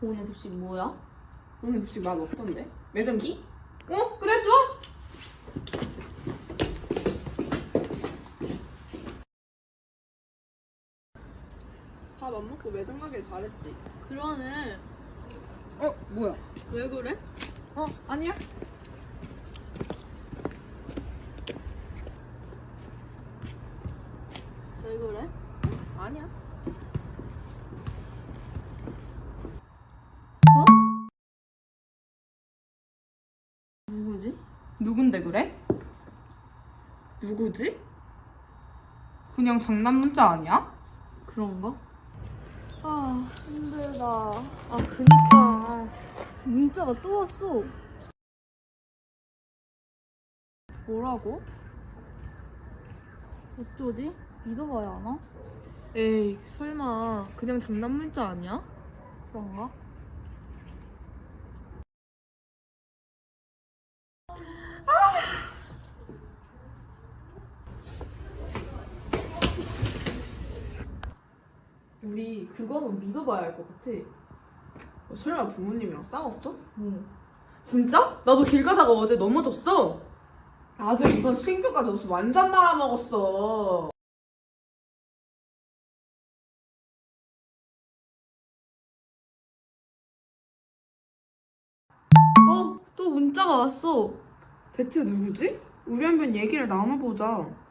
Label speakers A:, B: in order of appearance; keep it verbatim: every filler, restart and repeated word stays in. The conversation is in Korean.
A: 오늘 급식 뭐야?
B: 오늘 급식 맛 없던데? 매점기?
A: 어? 그래, 좋아!
B: 밥 안 먹고 매점 가길 잘했지.
A: 그러네.
B: 어? 뭐야?
A: 왜 그래?
B: 어? 아니야?
A: 왜 그래?
B: 아니야.
A: 어? 누구지?
B: 누군데 그래?
A: 누구지?
B: 그냥 장난 문자 아니야?
A: 그런가? 아, 힘들다. 아, 그니까. 문자가 또 왔어. 뭐라고? 어쩌지? 믿어봐야 하나?
B: 에이 설마 그냥 장난 문자 아니야?
A: 그런가? 우리 그거는 믿어봐야 할 것 같아.
B: 어, 설마 부모님이랑 싸웠어?
A: 응.
C: 진짜? 나도 길 가다가 어제 넘어졌어.
B: 아들 이번 수행표까지 없어 완전 말아먹었어.
A: 어, 또 문자가 왔어.
B: 대체 누구지? 우리 한번 얘기를 나눠보자.